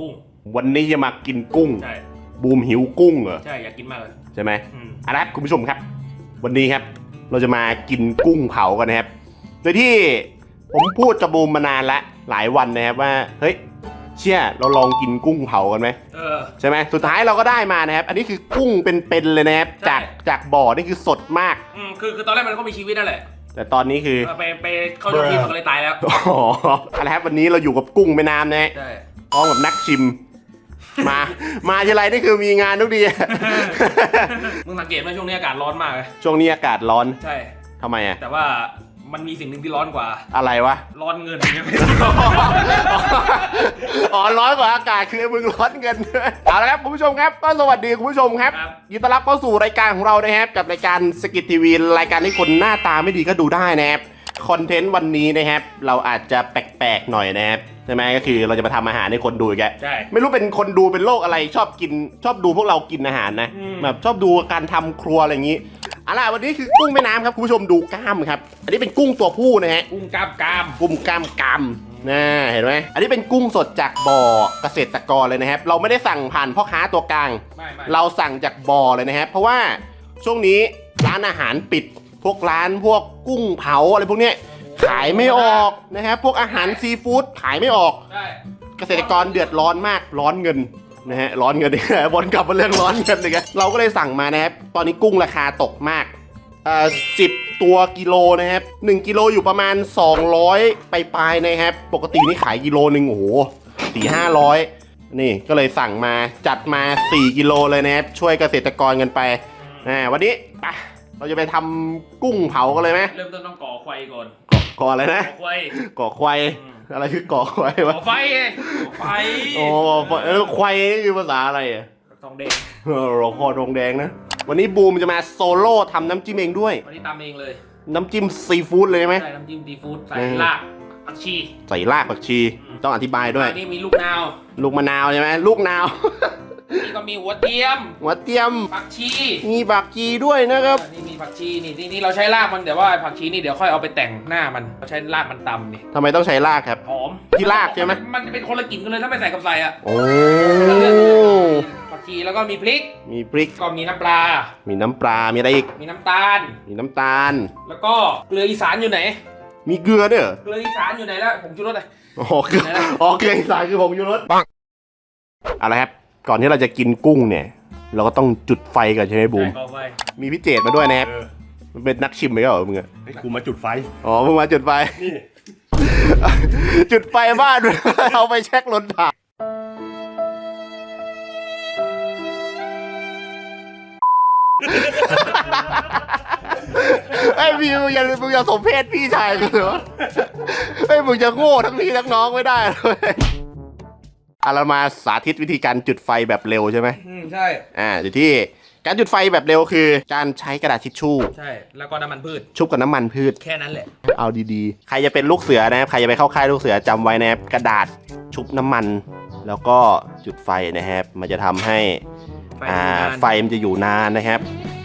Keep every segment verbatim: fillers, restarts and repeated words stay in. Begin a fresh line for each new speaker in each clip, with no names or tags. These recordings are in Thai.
กุ้ง
วันนี้จะมากินกุ้ง
ใช่
บูมหิวกุ้งเหรอ
ใช่อยากกินมากเลย
ใช่ไหมอ่ะครับคุณผู้ชมครับวันนี้ครับเราจะมากินกุ้งเผากันนะครับโดยที่ผมพูดกับบูมมานานละหลายวันนะครับว่าเฮ้ยเชี่ยเราลองกินกุ้งเผากันไหม
เออ
ใช่ไหมสุดท้ายเราก็ได้มานะครับอันนี้คือกุ้งเป็นๆเลยนะครับจากจากบ่อนี่คือสดมาก
อืมคือคือตอนแรกมันก็มีชีวิตนั่นแหละ
แต่ตอนนี้คือ
ไปไปเข้ายกทีมมันก็เลยตายแล้ว
อ๋ออะไรครับวันนี้เราอยู่กับกุ้งแม่น้ำนะ
ใช่
พร้อมกับนักชิมมามาทีไรนี่คือมีงานทุกที
มึงสังเกตไหมช่วงนี้อากาศร้อนมากเลย
ช่วงนี้อากาศร้อน
ใช่
ทำไมอ่ะ
แต่ว่ามันมีสิ่งหนึ่งที่ร้อนกว่า
อะไรวะ
ร้อนเงิน
อ๋อร้อนกว่าอากาศคือมึงร้อนเงินเอาละครับคุณผู้ชมครับก็สวัสดีคุณผู้ชมครับยินดีต้อนรับเข้าสู่รายการของเรานะครับกับรายการสกิททีวีรายการที่คนหน้าตาไม่ดีก็ดูได้นะครับคอนเทนต์วันนี้นะครับเราอาจจะแปลกๆหน่อยนะครับใช่ไหมก็คือเราจะมาทำอาหารให้คนดูอีกแก
ใช่
ไม่รู้เป็นคนดูเป็นโรคอะไรชอบกินชอบดูพวกเรากินอาหารนะแบบชอบดูการทำครัวอะไรอย่างนี้เอาล่ะวันนี้คือกุ้งแม่น้ำครับคุณผู้ชมดูกล้ามครับอันนี้เป็นกุ้งตัวผู้นะฮะ
กุ้งกล้ามกล้าม
กุ้งกล้ามกล้ามนะเห็นไหมอันนี้เป็นกุ้งสดจากบ่อเกษตรกรเลยนะครับเราไม่ได้สั่งผ่านพ่อค้าตัวกลางเราสั่งจากบ่อเลยนะครับเพราะว่าช่วงนี้ร้านอาหารปิดพวกร้านพวกกุ้งเผาอะไรพวกนี้ขายไม่ออกนะครับพวกอาหารซีฟู้ดขายไม่ออกเกษตรกรเดือดร้อนมากร้อนเงินนะฮะร้อนเงินเนี่ยวนกลับมาเรื่องร้อนเงินเลยเราก็เลยสั่งมานะครับตอนนี้กุ้งราคาตกมากเอ่อสิบตัวกิโลนะครับหนึ่งกิโลอยู่ประมาณสองร้อยไปปลายนะครับปกตินี่ขายกิโลหนึ่งโอ้โหสี่ห้าร้อยนี่ก็เลยสั่งมาจัดมาสี่กิโลเลยนะครับช่วยเกษตรกรกันไปอ่าวันนี้ไปเราจะไปทำกุ้งเผากันเลยไหม
เริ่มต้นต้องก่อไฟก่อน
ก่ออะไรนะ
ก่อไฟ
ก่อควายอะไรคือก่อควายวะ
ก่อไฟไงก่อไฟ
โอ้เออควายนี่คือภาษาอะไรอ่ะ
ทองแดง
เออเราคอทองแดงนะวันนี้บูมจะมาโซโล่ทำน้ำจิ้มเองด้วย
วันนี้ตามเองเลย
น้ำจิ้มซีฟู้ดเลยไหม
ใช่น้ำจิ้มซีฟู้ดใส่รากผักชี
ใส่รากผักชีต้องอธิบายด้วย
นี่มีลูกนาว
ลูกมะนาวใช่ไหมลูกนาว
นี่ก็มีหัวเทียม
หัวเทียม
ผักชี
มีผักชีด้วยนะครับ
นี่มีผักชีนี่นี่เราใช้รากมันแต่ว่าผักชีนี่เดี๋ยวค่อยเอาไปแต่งหน้ามันเราใช้รากมันตำนี่
ทำไมต้องใช้รากครับ
หอม
ที่รากใช่ไหม
มันจะเป็นคนละกลิ่นกันเลยถ้าไม่ใส่กับใส่อ่ะ
โอ้
ผักชีแล้วก็มีพริก
มีพริก
ก็มีน้ำปลา
มีน้ำปลามีอะไรอีก
มีน้ำตาล
มีน้ำตาล
แล้วก็เกลืออีสานอยู่ไหน
มีเกลือด้วย
เกลืออีสานอยู่ไหนแล้วผงชูรสเลย
อ๋อเกลืออ๋อเกลืออีสานคือผงชูรสปังอะไรครับก่อนที่เราจะกินกุ้งเนี่ยเราก็ต้องจุดไฟก่อนใช่ไหมบูมมีพี่เจตมาด้วยนะครับมันเป็นนักชิมไหมเหรอมึงอะ
ไอ้กูมาจุดไฟ
อ๋อมึงมาจุดไฟนี่จุดไฟบ้านเอาไปเช็คลนถ่านไอ้พี่มึงอย่ามึงอย่าสมเพศพี่ชายกูเหรอไอ้มึงจะโง่ทั้งพี่ทั้งน้องไม่ได้เลยอาเรามาสาธิตวิธีการจุดไฟแบบเร็วใช่ไหม
อืมใช่
อ่าอยู่ที่การจุดไฟแบบเร็วคือการใช้กระดาษทิชชู่
ใช่แล้วก็น้ำมันพืช
ชุบกับน้ำมันพืช
แค่นั้นแหละ
เอาดีๆใครจะเป็นลูกเสือนะครับใครจะไปเข้าค่ายลูกเสือจำไว้นะครับกระดาษชุบน้ำมันแล้วก็จุดไฟนะครับมันจะทำให้อ่าไฟมันจะอยู่นานนะครับ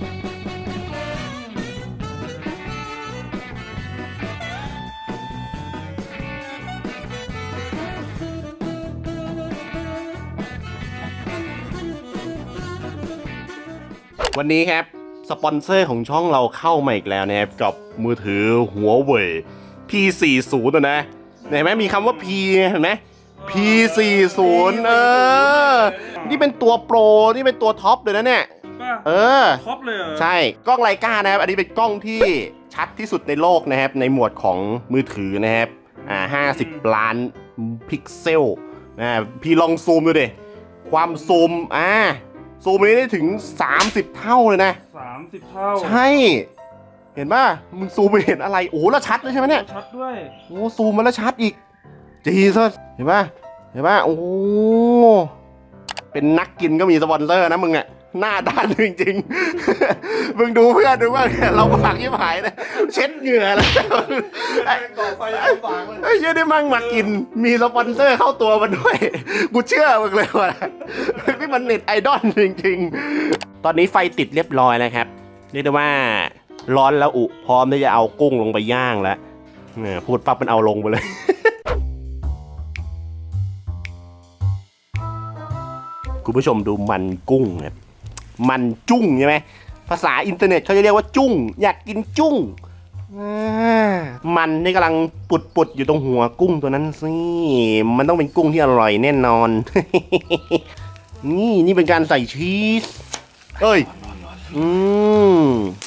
วันนี้ครับสปอนเซอร์ของช่องเราเข้ามาอีกแล้วนะครับกับมือถือหัวเว่ย พี สี่สิบ นะเห็นไหมมีคำว่า P เห็นไหม พี สี่สิบ เออนี่เป็นตัวโปรนี่เป็นตัวท็อปเลยนะเนี่ยเออ
ท็อปเลย
ใช่กล้องไลกานะครับอันนี้เป็นกล้องที่ชัดที่สุดในโลกนะครับในหมวดของมือถือนะครับอ่าห้าสิบล้านพิกเซลนะพี่ลองซูมดูดิความซูมอ่าซูมนี้ได้ถึงสามสิบเท่าเลยนะ
สามสิบเท่า
ใช่เห็นป่ะมึงซูมไปเห็นอะไรโอ้แล้วชัดเลยใช่ไหมเนี่ย
ชัดด้วย
โอ้ซูมมาแล้วชัดอีกจีซะเห็นป่ะเห็นป่ะโอ้เป็นนักกินก็มีสปอนเซอร์นะมึงอ่ะหน้าด้านจริงๆมึงดูเพื่อนดูว่าเราปากยิ่งหายนะเช็ดเหงื่อแล้วไอ้ก่อไฟยังปากเลยไอ้เหี้ยได้มั่งมากินมีสปอนเซอร์เข้าตัวมันด้วยกูเชื่อมึงเลยว่านี่มันเน็ตไอดอลจริงๆตอนนี้ไฟติดเรียบร้อยแล้วครับเรียกได้ว่าร้อนแล้วอุพร้อมที่จะเอากุ้งลงไปย่างแล้วพูดปั๊บมันเอาลงไปเลยคุณผู้ชมดูมันกุ้งครับมันจุ้งใช่ไหมภาษาอินเทอร์เน็ตเขาจะเรียกว่าจุ้งอยากกินจุ้งมันนี่กำลังปุดปุดอยู่ตรงหัวกุ้งตัวนั้นสิมันต้องเป็นกุ้งที่อร่อยแน่นอน นี่นี่เป็นการใส่ชีสเอ้ยอืม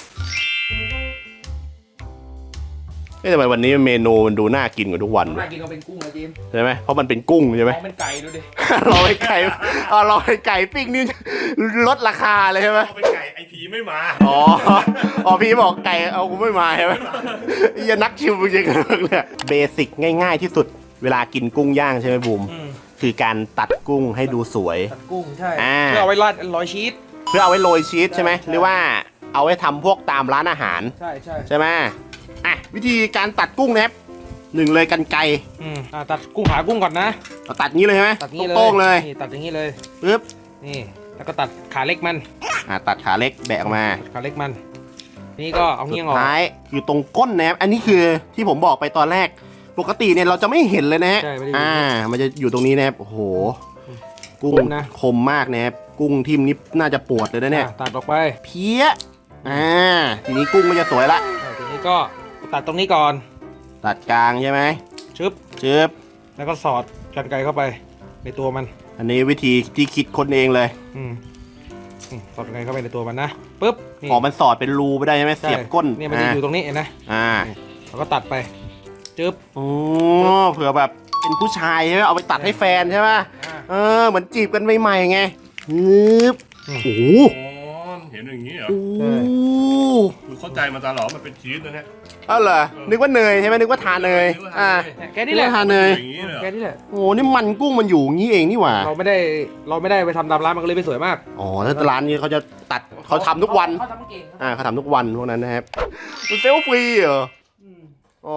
เอ๊ะทำไมวันนี้เมนูมันดูน่ากินกว่าทุกวัน
น่ากินก็เป็นกุ้งนะจิม
ใช่ไหมเพราะมันเป็นกุ้งใช่ไหม
เอาเป็นไก่ดูดิ
รอไอ้ไก่อ๋อรอไอ้ไก่ปิ้งนี่ลดราคาเลยใช่ไหม
เอาเป็นไก่ไอพีไม่มา
อ๋ออ๋อพี่บอกไก่เอากูไม่มาใช่ไหมอย่านักชิมจริงๆเลยเบสิกง่ายๆที่สุดเวลากินกุ้งย่างใช่ไหมบูมคือการตัดกุ้งให้ดูสวย
ตัดกุ้งใช่
อ่า
เพื่อเอาไว้ราดร้อยชีส
เพื่อเอาไว้โรยชีสใช่ไหม
ใช่
หรือว่าเอาไว้ทำพวกตามร้านอาหาร
ใช่ใช่
ใช่ไหมอ่ะวิธีการตัดกุ้งนะครับหนึ่งเลยกันไกร
อืมอ่าตัดกุ้งขากุ้งก่อนนะ
เอาตัดงี้เลยใช่ไหม
ตัดงี้เลย
โต้งๆเลย
นี่ตัดอย่างนี้เลย
ปึ๊บ
นี่แล้วก็ตัดขาเล็กมัน
อ่ะตัดขาเล็กแบะออกมา
ตัดขาเล็กมันนี่ก็เอา
สุ
เงี้ย
ด
งออก
ท้ายคือตรงก้นนะครับอันนี้คือที่ผมบอกไปตอนแรกปกติเนี่ยเราจะไม่เห็นเลยนะฮะ
ใช่ไม่ได้อยู่
อ่ามันจะอยู่ตรงนี้นะครับโอ้โหกุ้ง
คมนะ
คมมากนะครับกุ้งทิมนี่น่าจะปวดเลยนะเนี่ย
อ่ะตัดออกไป
เพี้ยอ่าทีนี้กุ้งก็จะสวยละ
อ่ะทีนี้ก็ตัดตรงนี้ก่อน
ตัดกลางใช่ไหม
ชึบ
เชิบ
แล้วก็สอดกันไกรเข้าไปในตัวมัน
อันนี้วิธีที่คิดคนเองเลย
อืมอืมสอดกันไกรเข้าไปในตัวมันนะปึ๊บนี่
ออกมันสอดเป็นรูไปได้ใช่ไหม
ใช่
เสียบก้น
เนี่ยมันจะอยู่ตรงนี้เห็นไหม
อ่า
เราก็ตัดไปจึ๊บ
โอ้เผื่อแบบเป็นผู้ชายใช่ไหมเอาไปตัดให้แฟนใช่ไหม
อ่า
เออเหมือนจีบกันใหม่ๆไงฮึบ
อืม
โอ้โห
อ๋อเห็นอย่างนี้เหรอ
โอ้โห
คือเข้าใจมาตลอดมันเป็นชีสนะเนี่ย
อ้าวเหรอนึกว่าเนยใช่ไหมนึกว่าทาเนยอ่า
แค่นี้แหละ
ทาเนย
อย่างนี้เลยเหรอ
แค่นี้แหละ
โอ้โหนี่มันกุ้งมันอยู่อย่างนี้เองนี่หว่า
เราไม่ได้เราไม่ได้ไปทำตามร้านมันก็เลยไม่สวยมาก
อ๋อถ้าร้านนี้เขาจะตัดเขาทำทุกวัน
เขาทำเก่ง
อ่าเขาทำทุกวันพวกนั้นนะครับมันเซลฟรีเหรออ๋อ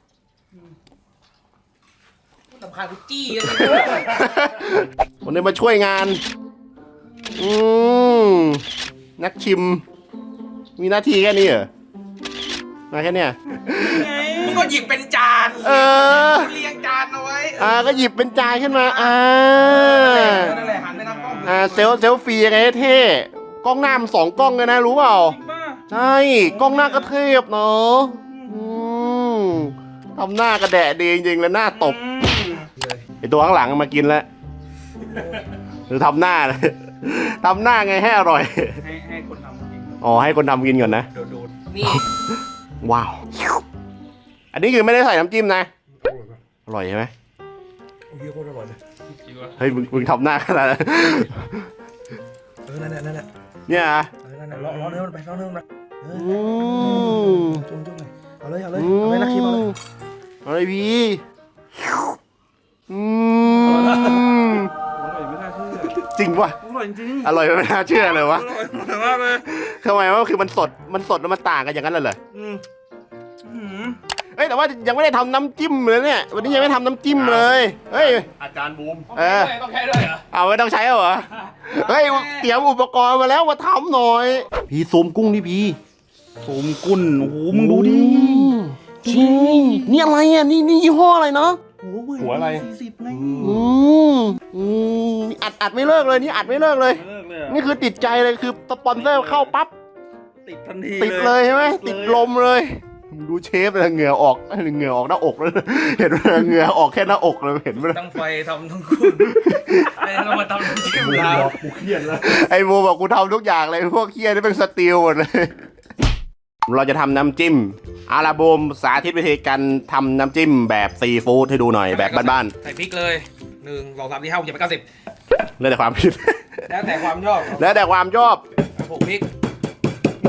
สำคัญคือจี้
วันนี้มาช่วยงาน อืมนักชิม มีหน้าที่แค่นี้เหรอ มาแค่เนี้ย
มึงก็หยิบเป็นจาน
เออ
เรียงจานเอาไว้
อ่า ก็หยิบเป็นจานขึ้นมา อ่า
นั่นแหละหันไปทางกล้อง
อ่า เซลเซลฟรียังไงให้เท่ กล้องหน้ามันสองกล้องเลยนะ รู้เปล่า
บ้า
ใช่ กล้องหน้าก็เทพเนาะอืมทำหน้ากระแดะดีจริงๆแล้วหน้าตบ ไอตัวข้างหลังมากินแล้ว หรือทำหน้าเลย ทำหน้าไงให้อร่อย
ให้ให้คนทำกิน
อ๋อให้คนทำกินก่อนนะ
โดดนี่
ว้าว อันนี้คือไม่ได้ใส่น้ำจิ้มนะ อร่อยใช่ไหม
โอ้ยโคตรอร่อยเลย
เฮ้ยมึงมึงทำหน้าขนาดนั้น
เออนั่นแหละนั่นแหละ
เนี่ยอ่ะ
เออนั่นแหละล้อล้อเนื้อมันไปล้อเนื้อมันไปเอ
อื
อ
ม
จุ่มจุ่มเลยเอาเลยเอาเลย
อื
เอาเลยนักคิมเอาเลย
เอาเลยพี่อืม
อร่อยไม่น่าเชื่อ
จริงป่ะ
อร่อยจริง
อร่อยไม่น่าเชื่อเลยวะ
อร่อยมากเลย
ทำไมวะคือมันสด มันสดแล้วมันต่างกันอย่างนั้นเลยเหรอ
อืมอืม
เอ้ยแต่ว่ายังไม่ได้ทำน้ำจิ้มเลยเนี่ย วันนี้ยังไม่ทำน้ำจิ้มเลย เฮ้ย
อาจารย์บูม
เออ
ต้องใช้ด้วยเหรอ
เอาไม่ต้องใช้เหรอ เฮ้ยเตรียมอุปกรณ์มาแล้วมาทำหน่อย พี่ซูมกุ้งดิพี่
ซูมกุ้นโอ้โหมึงดูดิ
จริงนี่อะไรอ่ะ นี่นี่ยี่ห้ออะไรเนาะ
หัวอะไร
สี่สิบไง
อืมอืมอัดอัดไม่เลิกเลยนี่อัดไม่เลิกเลย
เลิกเลยอะ
นี่คือติดใจเลยคือสปอนเซอร์เข้าปั๊บ
ติดทันที
ติดเลยใช่ไหมติดลมเลยมึงดูเชฟเลยเหงื่อออกเหงื่อออกหน้าอกเลยเห็นไหมเหงื่อออกแค่หน้าอกเลยเห็นไหม
ทั้งไฟทำทั้งคุณไอ้เรามาทำน้ำจิ้มเรา
กูเครียดแล้ว
ไอ้โมบอกกูทำทุกอย่างเลยพวกเคียนี่เป็นสตีลหมดเลย เราจะทำน้ำจิ้มอาราบูมสาธิตวิธีการทำน้ำจิ้มแบบซีฟู้ดให้ดูหน่อยแบบบ้าน
ใส่พริกเลยหนึ่งสองสามสี่ห้าหกเจ็ดแปดเก้าสิบ
ๆแล้วแต่ความคิด
แล้วแต่ความชอบ
แล้วแต่ความชอบ
หกพริก
โอ้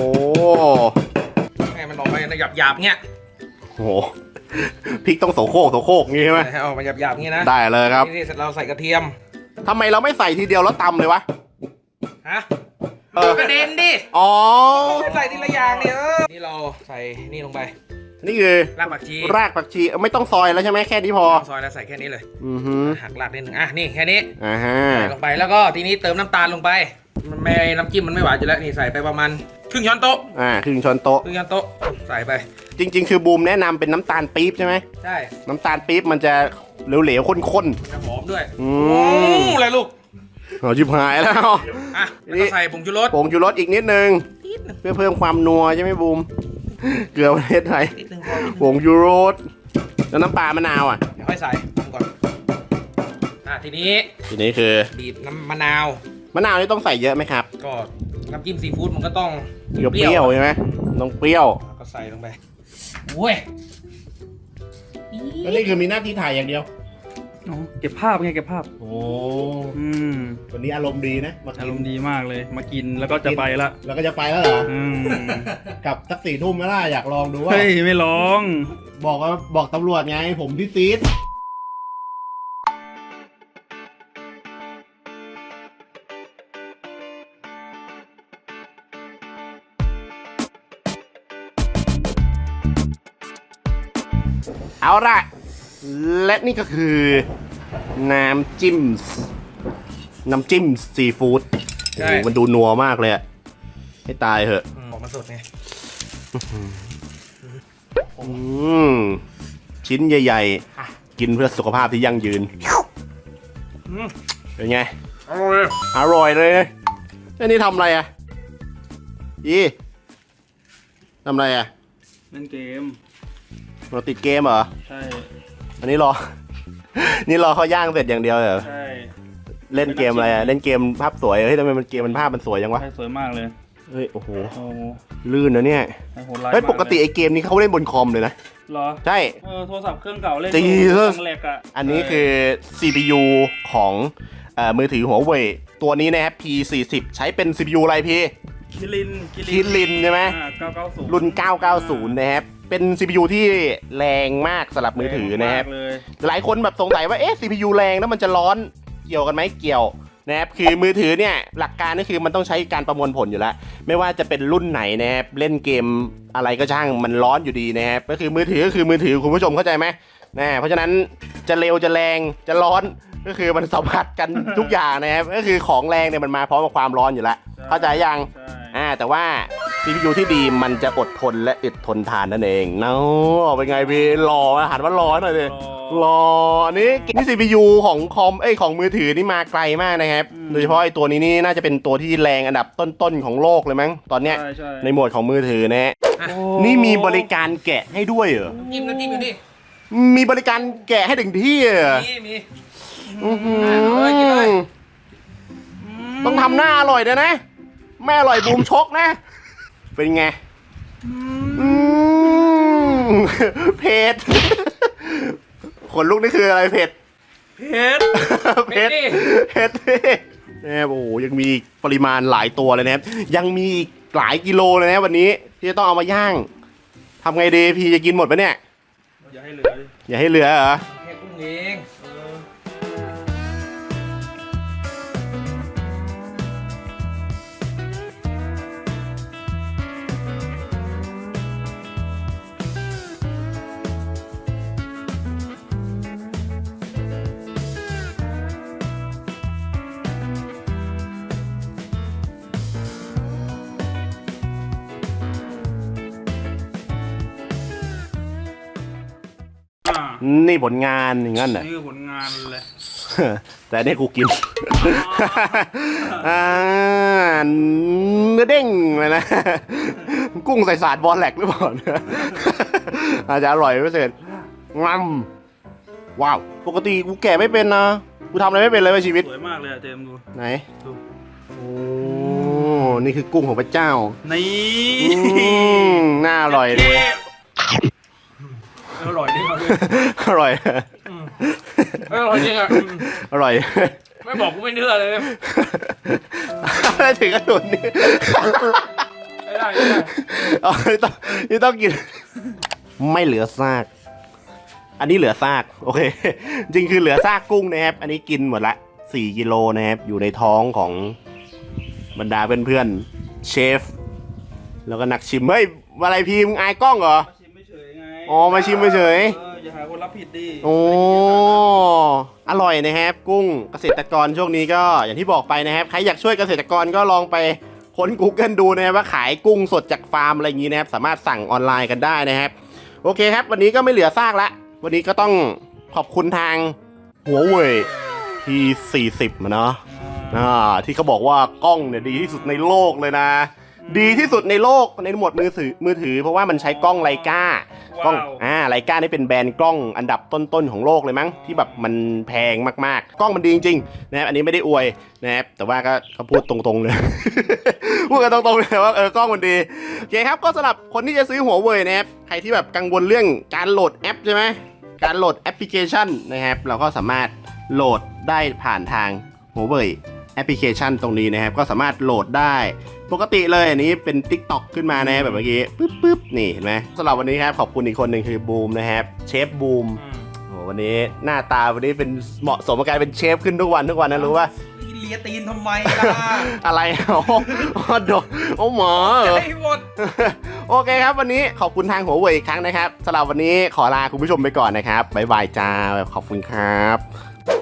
ให้มันออกมาในหยาบๆเงี้ย
โหพริกต้องโสโครกโสโครกงี้ใช่ไหม
ให้ออกมาหยาบๆเงี้ยนะ
ได้เลยครับ
นี่เสร็จเราใส่กระเทียม
ทำไมเราไม่ใส่ทีเดียวแล้วตำเลยวะ
ฮะ
เออ
กระเด็นดิ
อ๋อ
ใส่ทีละอย่างเนี่ยเออนี่เราใส่นี่ลงไป
นี่คือ
รากผักชี
รากผักชีไม่ต้องซอยแล้วใช่ไหมแค่นี้พอ
ซอยแล้วใส่แค่นี้เลย
อือฮึ
หักรากนิดหนึ่งอ่ะนี่แค่นี้
อ่าฮะ
ใส่ลงไปแล้วก็ทีนี้เติมน้ำตาลลงไปมันไม่น้ำจิ้มมันไม่หวานอยู่แล้วนี่ใส่ไปประมาณครึ่งช้อนโต๊ะ
อ่าครึ่งช้อนโต๊ะ
ครึ่งช้อนโต๊ะใส่ไป
จริง ๆ คือบูมแนะนำเป็นน้ำตาลปี๊บใช่ไหม
ใช่
น้ำตาลปี๊บมันจะเหลวๆข้น
จะหอมด้วย
ๆอื
โอ้
ม
อะไรลูก
เอาชิบหายแล้ว
อ่ะแล้วก็ใส่ผงชูรส
ผงชูรสอีกนิดนึงเพื่อเพิ่มความนัวใช่ไหมบูมเกลือประเทศไทย
นิดนึงพอนิดนึ
ผ
ง
งชูรสแล้วน้ำปลามะนาวอ่ะ
เดี๋ยวค่อยใส่ก่อนอ่ะทีนี้
ทีนี้คือ
บีบน้ำมะนาว
มะนาวนี่ต้องใส่เยอะไหมครับ
ก็น้ำจิ้มซีฟู้ดมันก็ต้อง
เปรี้ยวๆใช่ไหมต้องเปรี้ยว
แล้วก็ใส่ลงไปโว้ย
แล้วนี่คือมีหน้าที่ถ่ายอย่างเดียว
อ๋อเก็บภาพไงเก็บภาพ
โอ้
อืม
วันนี้อารมณ์ดีนะมากิน
อารมณ์ดีมากเลย มากินแล้วก็จะไปละ
แล้วก็จะไปแล้วเหรอ
อืม
กลับสักสี่ทุ่มไหมล่ะอยากลองดูว่า
เฮ้ยไม่ร้อง
บอกว่าบอกตำรวจไงผมพี่ซีดเอาละและนี่ก็คือน้ำจิ้มน้ำจิ้มซีฟู้ด
ใช่
โอ้โหมันดูนัวมากเลยอะให้ตายเหอะ
อืมออกมาสดไง
อืมชิ้นใหญ่ๆ กินเพื่อสุขภาพที่ยั่งยืน
อืม
เป็นไง
อร่อย
อร่อยเลยแล้วนี่ทำอะไรอ่ะอีทำอะไรอ่ะ
เล่นเกม
เราติดเกมเหรอ
ใช่
อันนี้รอ นี่รอเขาย่างเสร็จอย่างเดียวเหรอ
ใช่
เล่นเกมอะไรอ่ะ เล่นเกมภาพสวย เฮ้ยทำไมมันเกมมันภาพมันสวยจังวะ
ใช่สวยมากเลย
เฮ้ย โอ้โห
โอ้โห
ลื่นนะเนี่ย
ใช่โหดร้าย
เฮ้ย
มาก
ปกติไอ้เกมนี้เขาเล่นบนคอมเลยนะ
เหรอ
ใช่
เออโทรศัพท์เครื่องเก่าเล่น
จริง
ตั้งแรกอะ
อันนี้คือ ซี พี ยู ของเอ่อมือถือหัวเว่ยตัวนี้นะครับ พี สี่สิบ ใช้เป็น ซี พี ยู อะไรพี่
คิริน
คิรินใช่ไหม
อ่าเก้าเก้าศูนย์
รุ่น เก้าเก้าศูนย์ นะครับ เป็น ซี พี ยู ที่แรงมากสำหรับมือถือนะครับ
แงมากเลย
หลายคนแบบสงสัยว่า เอ๊ะ ซี พี ยู แรงแล้วมันจะร้อน เกี่ยวกันไหมเกี่ยวนะครับ คือมือถือเนี่ย หลักการก็คือมันต้องใช้การประมวลผลอยู่แล้ว ไม่ว่าจะเป็นรุ่นไหนนะครับ เล่นเกมอะไรก็ช่าง มันร้อนอยู่ดีนะครับ ก็คือมือถือก็คือมือถือคุณผู้ชมเข้าใจไหมนะเพราะฉะนั้นจะเร็วจะแรงจะร้อน ก็คือมันสัมผัสกันทุกอย่างนะครับ ก็คือของแรงเนี่ยมันมาพร้อมกับความร้อนอยู่แล้ว เข้าใจยัง
ใช่
อ่าแต่ว่า ซี พี ยู ที่ดีมันจะอดทนและอึดทนทานนั่นเองเนาะเป็นไงพี่รออาหารว่าร้อนหน่อยดิรออันนี้นี่ ซี พี ยู ของคอมเอ้ยของมือถือนี่มาไกลมากนะครับโดยเฉพาะไอ้ตัวนี้นี่น่าจะเป็นตัวที่แรงอันดับต้นๆของโลกเลยมั้งตอนเนี้ย
ใช่ใช่
ในหมวดของมือถือนะฮะ
โอ้
นี่มีบริการแกะให้ด้วยเหรอ
จิ้มน้ำจิ้มอยู่นี่
มีบริการแกะให้ถึงที่เหรอ
มีมี
อื้อหือ
เอาเลยกินเลย
ต้องทำหน้าอร่อยด้วยนะไม่อร่อยบูมชกนะ เป็นไงอืมเผ็ดขนลุกนี่คืออะไรเผ็ด
เผ็ด
เผ็ด
เผ็ดดิ
เผ็ดนะครับโอ้โหยังมีปริมาณหลายตัวเลยนะครับ ยังมีอีกหลายกิโลเลยนะวันนี้ ที่จะต้องเอามาย่างทำไงดีพี่จะกินหมดปะเนี่ย
อย่าให้เหลือดิ
อย่าให้เหลือเหรอ
แค่กุ้งเอง
อ่า
นี่ผลงานอย่างนั้นเหรอ
นี่คือผลงานเลย
แต่เนี่ยกูกิน อ่าเนื้อเด้งเลยนะ กุ้งใส่สาดบอลแหลกหรือเปล่าเนี่ย อาจจะอร่อยพิเศษงำว้าว ปกติกูแกะไม่เป็นนะ กูทำอะไรไม่เป็นเลยในชีวิต
สวยมากเลยอะเจมส์ดู
ไหน
ดู
โอ้ นี่คือกุ้งของพระเจ้า
นี่
อืมน่าอร่อยเลย
อร่อยดิครับ
อร่อย
อร่อยจริงอ่ะ
อร่อย
ไม่บอกกูไม่เชื่อเลย
อะไรถึงกระโดดนี่
ไม่ได้ไม่ได้
อ๋อนี่ต้องนี่ต้องกิน ไม่เหลือซาก อันนี้เหลือซาก โอเค จริงคือเหลือซากกุ้งนะครับ อันนี้กินหมดละสี่กิโลนะครับ อยู่ในท้องของบรรดาเพื่อนๆเชฟ แล้วก็นักชิม เฮ้ย อะไรพีมึงอายกล้องเหรอ
มาชิมไม่เฉยไง
อ๋อมาชิมเฉย
เอออย่าหาคนรับผิดดิ
โอ้ อร่อยนะครับ กุ้งเกษตรกรช่วงนี้ก็อย่างที่บอกไปนะครับ ใครอยากช่วยเกษตรกรก็ลองไปค้น Google ดูนะครับว่าขายกุ้งสดจากฟาร์มอะไรอย่างนี้นะครับ สามารถสั่งออนไลน์กันได้นะครับ โอเคครับ วันนี้ก็ไม่เหลือซากละ วันนี้ก็ต้องขอบคุณทางหัวเว่ย ที สี่สิบมาเนาะ
อ่า
อ่าที่เขาบอกว่ากล้องเนี่ยดีที่สุดในโลกเลยนะ ดีที่สุดในโลกในหมวดมือถือมือถือเพราะว่ามันใช้กล้องไลกากล้องอ่าไลกานี่เป็นแบรนด์กล้องอันดับต้นๆของโลกเลยมั้งที่แบบมันแพงมากๆกล้องมันดีจริงๆนะครับอันนี้ไม่ได้อวยนะครับแต่ว่าก็เขาพูดตรงๆเลย พูดกันตรงๆเลยว่าเออกล้องมันดีโอเคครับก็สำหรับคนที่จะซื้อหัวเว่ยนะครับใครที่แบบกังวลเรื่องการโหลดแอปใช่ไหมการโหลดแอปพลิเคชันนะครับเราก็สามารถโหลดได้ผ่านทางหัวเว่ยแอปพลิเคชันตรงนี้นะครับก็สามารถโหลดได้ปกติเลยอันนี้เป็น TikTok ขึ้นมานะแบบเมื่อกี้ปึ๊บปึ๊บนี่เห็นไหมสำหรับวันนี้ครับขอบคุณอีกคนหนึ่งคือบูมนะครับเชฟบูมโอ้วันนี้หน้าตาวันนี้เป็นเหมาะสมกับการเป็นเชฟขึ้นทุกวันทุกวันนะรู้ป่ะ
เลียตีนทำไมล่ะ
อะไรโอ้โหดโอ้หมอเหรอ
ใจหมด
โอเคครับวันนี้ขอบคุณทางหัวเว่ยอีกครั้งนะครับสำหรับวันนี้ขอลาคุณผู้ชมไปก่อนนะครับบ๊ายบายจ้าขอบคุณครับ